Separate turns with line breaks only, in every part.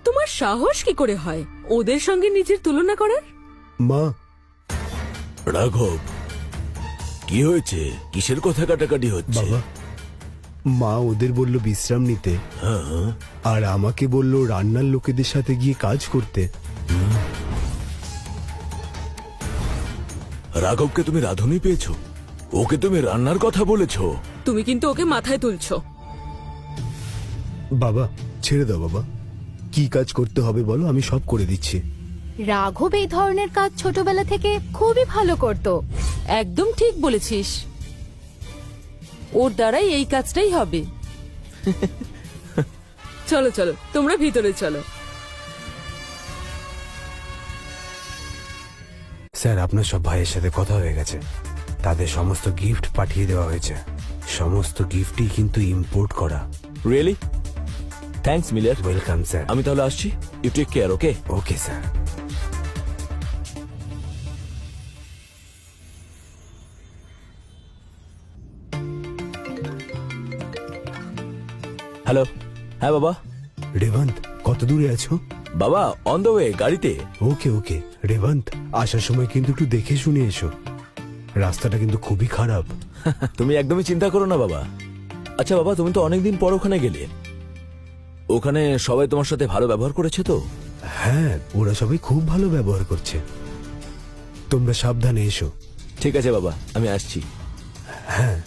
তোমার সাহস কি করে হয় ওদের সঙ্গে নিজের তুলনা করার?
মা,
রাঘব, কি হয়েছে? কিসের কথা কাটাকাটি হচ্ছে?
বাবা, মা ওদের বলল বিশ্রাম নিতে, আর আমাকে বলল রান্নার লোকেদের সাথে গিয়ে কাজ করতে।
রাঘবকে তুমি রাঁধুনি পেয়েছো? ওকে তুমি রান্নার কথা বলেছো?
তুমি কিন্তু ওকে মাথায় তুলছো।
বাবা ছেড়ে দাও বাবা, কি কাজ করতে হবে বলো, আমি সব করে দিচ্ছি।
রাঘব এই ধরনের কাজ ছোটবেলা থেকে খুবই ভালো করত।
একদম ঠিক বলেছিস, ওর দ্বারাই এই কাজটাই হবে। চলো চলো, তোমরা ভিতরে চলো।
স্যার, আপনার সব ভাইয়ের সাথে কথা হয়ে গেছে, তাদের সমস্ত গিফট পাঠিয়ে দেওয়া হয়েছে। সমস্ত গিফটই কিন্তু ইম্পোর্ট করা।
Really? Thanks Miller.
Welcome sir.
আমি তাহলে আসছি। You take care. Okay
okay sir.
Hello. হ্যাঁ বাবা।
রেবন্ত, কত দূরে আছো?
বাবা অন দ্য ওয়ে, গাড়িতে।
ওকে ওকে রেবন্ত, আসার সময় কিন্তু একটু দেখে শুনে এসো, রাস্তাটা কিন্তু খুবই খারাপ।
তুমি একদমই চিন্তা করো না বাবা। আচ্ছা বাবা, তুমি তো অনেকদিন পর ওখানে গেলে, ওখানে সবাই তোমার সাথে ভালো ব্যবহার করেছে তো?
হ্যাঁ, ওরা সবাই খুব ভালো ব্যবহার করছে। তোমরা সাবধানে এসো।
ঠিক আছে বাবা, আমি আসছি।
হ্যাঁ।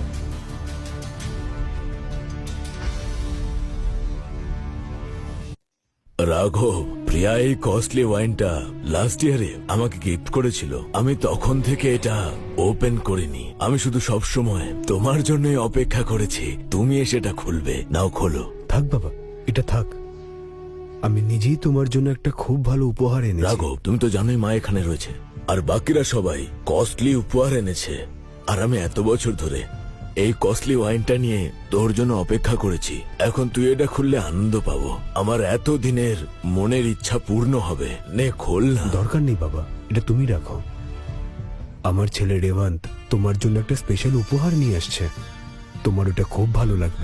রাঘব, প্রিয়া এই কস্টলি ওয়াইনটা লাস্ট ইয়ারে আমাকে গিফট করেছিল। আমি তখন থেকে এটা ওপেন করিনি। আমি শুধু সব সময় তোমার জন্যই অপেক্ষা করেছি, তুমি এসে এটা খুলবে। নাও খোলো।
থাক বাবা, এটা থাক, আমি নিজেই তোমার জন্য একটা খুব ভালো উপহার এনেছি।
রাঘব, তুমি তো জানোই মা এখানে রয়েছে, আর বাকিরা সবাই কস্টলি উপহার এনেছে, আর আমি এত বছর ধরে এই কস্টলি ওয়াইনটা নিয়ে তোর জন্য অপেক্ষা করেছি। এখন তুই এটা খুললে আনন্দ পাবো, আমার এত দিনের মনের ইচ্ছা পূর্ণ হবে। নে খোল না।
দরকার নেই বাবা, এটা তুমি রাখো। আমার ছেলে রেবন্ত তোমার জন্য একটা স্পেশাল উপহার নিয়ে আসছে, তোমার ওটা খুব ভালো লাগবে।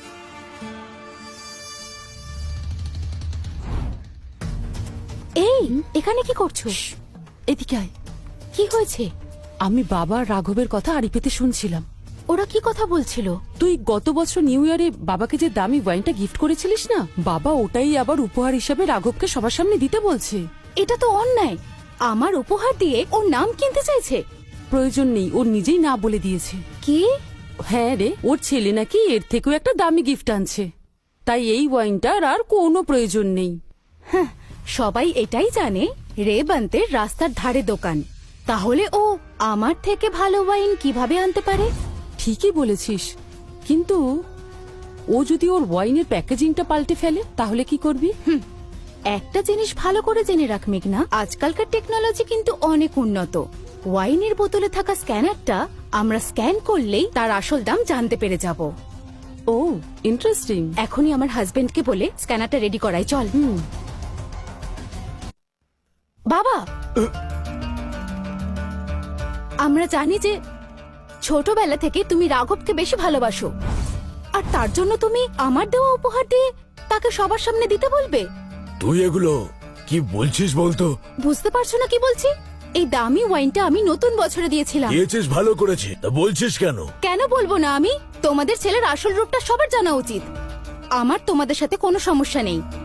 এই, এখানে কি করছো?
এদিকে আয়।
কি হয়েছে?
আমি বাবা আর রাঘবের কথা আড়ি পেতে শুনছিলাম।
ওরা কি কথা বলছিল?
তুই গত বছর নিউ ইয়ারে বাবাকে যে দামি ওয়াইনটা গিফট করেছিলিস না, বাবা ওটাই আবার উপহার হিসাবে রাঘবকে সবার সামনে দিতে বলছে।
এটা তো অন্যায়। আমার উপহার দিয়ে ওর নাম কিনতে চাইছে।
প্রয়োজন নেই, ওর নিজেই না বলে দিয়েছে।
কি?
হ্যাঁ রে, ওর ছেলে নাকি এর থেকেও একটা দামি গিফট আনছে, তাই এই ওয়াইনটার আর কোনো প্রয়োজন নেই।
হ্যাঁ, সবাই এটাই জানে রেবন্তের রাস্তার ধারে দোকান, তাহলে ও আমার থেকে ভালো ওয়াইন কিভাবে আনতে পারে?
ঠিকই বলেছিস, কিন্তু ও যদি ওর ওয়াইনের প্যাকেজিংটা পাল্টে ফেলে তাহলে কি করবি?
একটা জিনিস ভালো করে জেনে রাখ মেঘনা, আজকালকার টেকনোলজি কিন্তু অনেক উন্নত। ওয়াইনের বোতলে থাকা স্ক্যানারটা আমরা স্ক্যান করলেই তার আসল দাম জানতে পেরে যাব।
Oh interesting.
এখনই আমার হাজবেন্ডকে বলে স্ক্যানারটা রেডি করাই, চল। বাবা, আমরা জানি যে ছোটবেলা থেকে তুমি রাঘবকে বেশি ভালোবাসো, আর তার জন্য তুমি আমার দেওয়া উপহার দিয়ে তাকে সবার সামনে দিতে বলবে?
তুই এগুলো কি বলছিস বলতো?
বুঝতে পারছো না কি বলছি? এই দামি ওয়াইনটা আমি নতুন বছরে দিয়েছিলাম।
দিয়েছিস ভালো করেছি, তা বলছিস কেন?
কেন বলবো না আমি? তোমাদের ছেলের আসল রূপটা সবার জানা উচিত। আমার তোমাদের সাথে কোনো সমস্যা নেই,